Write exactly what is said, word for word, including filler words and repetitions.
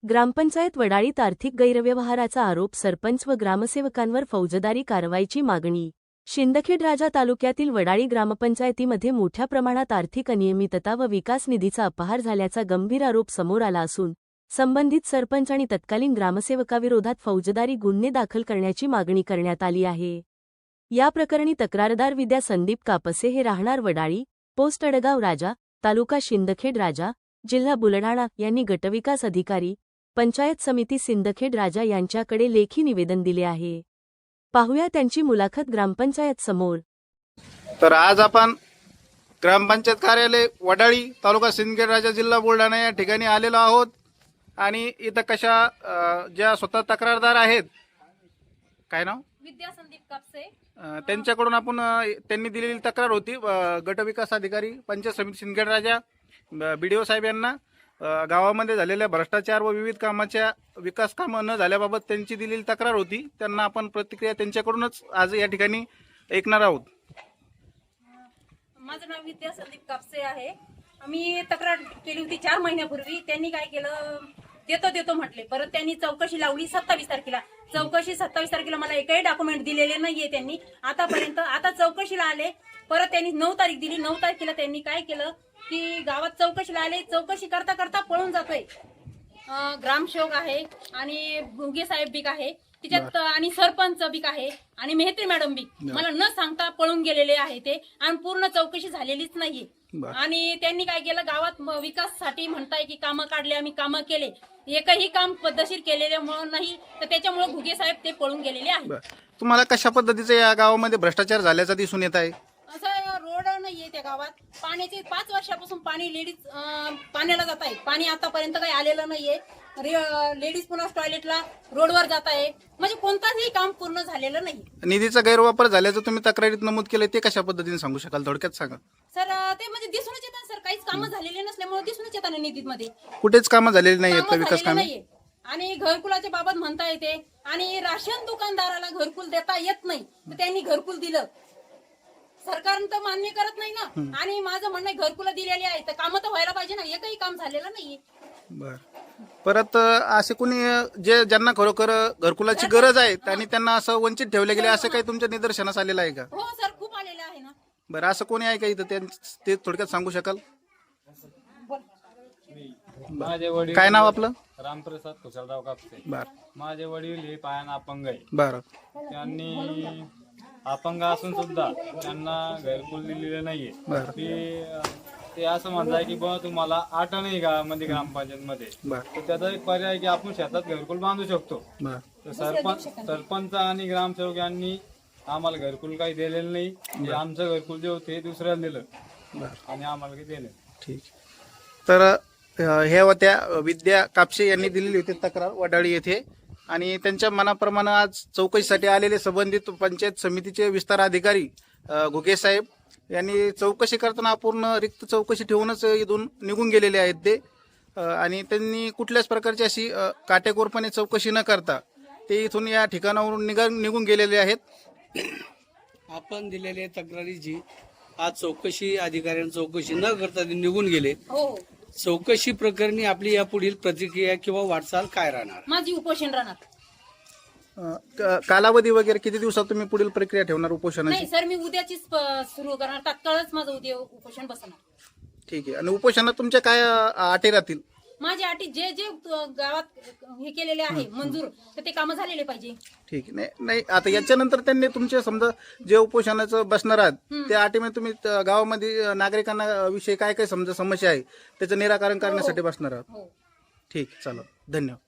ग्रामपंचायत वडाळीत आर्थिक गैरव्यवहाराचा आरोप सरपंच व ग्रामसेवकांवर फौजदारी कारवाईची मागणी. शिंदखेड राजा तालुक्यातील वडाळी ग्रामपंचायतीमध्ये मोठ्या प्रमाणात आर्थिक अनियमितता व विकास निधीचा अपहार झाल्याचा गंभीर आरोप समोर आला असून संबंधित सरपंच आणि तत्कालीन ग्रामसेवकाविरोधात फौजदारी गुन्हे दाखल करण्याची मागणी करण्यात आली आहे. या प्रकरणी तक्रारदार विद्या संदीप कापसे हे राहणार वडाळी, पोस्ट अडगाव राजा, तालुका शिंदखेड राजा, जिल्हा बुलढाणा यांनी गटविकास अधिकारी, पंचायत समिती सिंदखेड राजा यांच्याकडे लेखी निवेदन दिले आहे. पाहूया त्यांची मुलाखत ग्रामपंचायत समोर. तर आज आपण ग्रामपंचायत कार्यालय वडाळी, तालुका सिंदखेड राजा, जिल्हा बुलढाणा या ठिकाणी आलेलो आहोत. आणि इथं कशा अ, ज्या स्वतः तक्रारदार आहेत, काय नाव, विद्या संदीप कापसे, अ, त्यांच्याकडून आपण अ, त्यांनी दिलेली तक्रार होती अ, गटविकास अधिकारी, पंचायत समिती सिंदखेड राजा, बीडीओ साहेब यांना अ, गावामध्ये झालेल्या भ्रष्टाचार व विविध कामाच्या विकास कामं न झाल्याबाबत त्यांची दिलेली तक्रार होती. त्यांना आपण प्रतिक्रिया त्यांच्याकडूनच आज या ठिकाणी ऐकणार आहोत. माझं नाव विद्या संदीप कापसे आहे. मी तक्रार केली होती चार महिन्यापूर्वी. त्यांनी काय केलं, देतो देतो म्हटले. परत त्यांनी चौकशी लावली सत्तावीस तारखेला. चौकशी सत्तावीस तारखेला मला एकही डॉक्युमेंट दिलेले नाहीये त्यांनी आतापर्यंत. आता चौकशीला आले, परत त्यांनी नऊ तारीख दिली. नऊ तारखेला त्यांनी काय केलं की गावात चौकशीला आले, चौकशी करता करता पळून जातोय. ग्रामसेवक आहे आणि भुगे साहेब बीक आहे तिच्यात, आणि सरपंच बीक आहे आणि मेहत्री मॅडम बीक. मला न सांगता पळून गेलेले आहे ते, आणि पूर्ण चौकशी झालेलीच नाहीये. आणि त्यांनी काय केलं, गावात विकासासाठी म्हणताय की कामं काढले, आम्ही कामं केले, एकही काम पद्धतशीर केलेले नाही, तर त्याच्यामुळे भुगे साहेब ते पळून गेलेले आहे. तुम्हाला कशा पद्धतीचं या गावामध्ये भ्रष्टाचार झाल्याचा दिसून येत आहे? असं रोड नाहीये त्या गावात. पाण्याचे पाच वर्षापासून पाणी लेडीज पाण्याला जात आहे. पाणी आतापर्यंत काही आलेलं नाहीये. लेडीज पुन्हा टॉयलेटला रोडवर जात आहे. म्हणजे कोणताही काम पूर्ण झालेलं नाही. निधीचा गैरवापर झाल्याचं तुम्ही तक्रारीत नमूद केलं, ते कशा पद्धतीने सांगू शकाल, थोडक्यात सांगा. सर ते म्हणजे दिसूनच येतात सर, काहीच कामं झालेले नसल्यामुळे दिसूनच येतात निधीमध्ये. कुठेच कामं झालेली नाही आहेत विकास कामे. नाहीये. आणि घरकुलाच्या बाबत म्हणता येते, आणि राशन दुकानदाराला घरकुल देता येत नाही, तर त्यांनी घरकुल दिलं. सरकार तर मान्य करत नाही ना. आणि माझं म्हणणं घरकुला दिलेली आहे, तर कामं तर व्हायला पाहिजे ना. एकही काम झालेलं नाहीये. बर, परत असे कोणी जे ज्यांना खरोखर घरकुलाची गरज आहे आणि त्यांना असं वंचित ठेवले गेले, असं काही तुमच्या निदर्शनास आलेलं आहे का? हो सर, खूप आलेलं आहे ना. बरं, असं कोणी आहे का इथं, ते थोडक्यात सांगू शकाल? माझे वडील, काय नाव आपलं? रामप्रसाद कुशलराव कापसे. बर. माझे वडील हे पायान अपंग आहे. बरं. त्यांनी अपंग असून सुद्धा त्यांना घरकुल दिलेलं नाहीये. बरं. ते ते असं म्हणताय की बाबा तुम्हाला आठ नाही गावामध्ये ग्रामपंचायत मध्ये, तर त्याचा एक पर्याय आहे की आपण शेतात घरकुल बांधू शकतो. तर सरपंच सरपंच आणि ग्रामसेवक यांनी आम्हाला घरकुल काही दिलेलं नाही. जे आमचं घरकुल जे होते दुसऱ्याला दिलं आणि आम्हाला काही दिलं. ठीक. तर हे होत्या विद्या कापसे यांनी दिलेली होती तक्रार वडाळी येथे, आणि त्यांच्या मनाप्रमाणे आज चौकशीसाठी आलेले संबंधित पंचायत समितीचे विस्तार अधिकारी घुगे साहेब यांनी चौकशी करताना पूर्ण रिक्त चौकशी ठेवूनच इथून निघून गेलेले आहेत ते. आणि त्यांनी कुठल्याच प्रकारची अशी काटेकोरपणे चौकशी न करता ते इथून या ठिकाणावरून निघा निघून गेलेले आहेत. आपण दिलेल्या तक्रारीची आज चौकशी अधिकाऱ्यांनी चौकशी न करता ते निघून गेले. चौकशी प्रकरणी आपली या पुढील प्रतिक्रिया किंवा वाटचाल काय राहणार? माझी उपोषण राहणार. कालावधी वगैरे किती दिवसात तुम्ही पुढील प्रक्रिया ठेवणार उपोषणाची? नाही सर, मी उद्याचीच सुरू करणार. तात्काळच माझं उद्या उपोषण बसणार. ठीक आहे. आणि उपोषणात तुमच्या काय अटी राहतील? माझी अटी जे जे गावात हे केलेले आहे मंजूर, तर ते कामं झालेले पाहिजे. ठीक आहे. नाही नाही आता याच्यानंतर त्यांनी तुमचे समजा जे उपोषणाचं बसणार आहात त्या अटीमध्ये तुम्ही गावामध्ये नागरिकांना विषयी काय काय समजा समस्या आहे त्याचं निराकरण करण्यासाठी बसणार आहात. ठीक, चला, धन्यवाद.